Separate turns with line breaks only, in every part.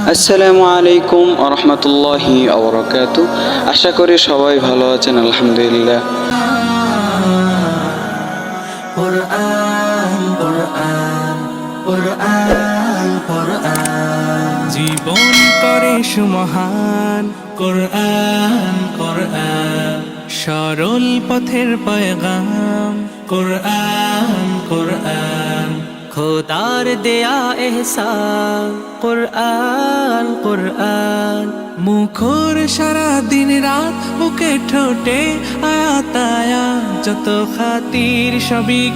আসসালামু আলাইকুম ওয়া রাহমাতুল্লাহি ওয়া বারাকাতুহু। আশা করি সবাই ভালো আছেন, আলহামদুলিল্লাহ।
কোরআন কোরআন কোরআন কোরআন জীবন করে সুমহান। কোরআন কোরআন সরল পথের পয়গাম। কোরআন কোরআন খোদার দেয়া এহসান। কোরআন কোরআন মুখর সারা দিন রাত, বুকে ঠোঁটে আয়াত আয়াত, যত খাতির সবই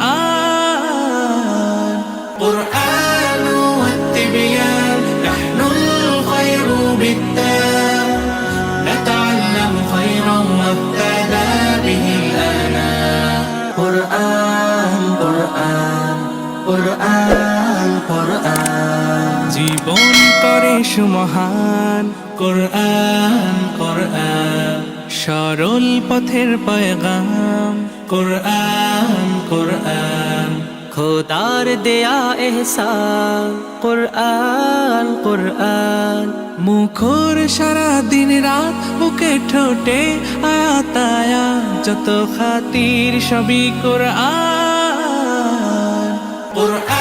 কোরআন। কোরআন ওয়াত-তিবয়ান নাহনুল খায়রু বিত-তাম, নাতাআল্লামু খায়রান ওয়াবতাদা বিহিল আনাম। কোরআন কোরআন কোরআন কোরআন জীবন করে সুমহান। কোরআন কোরআন সরল পথের পয়গাম। কোরআন কোরআন খোদার দেয়া এহসান। কোরআন কোরআন মুখর সারা দিন রাত, বুকে ঠোঁটে আয়াত আয়াত, যত খাতির সবই কোরআন। কোরআন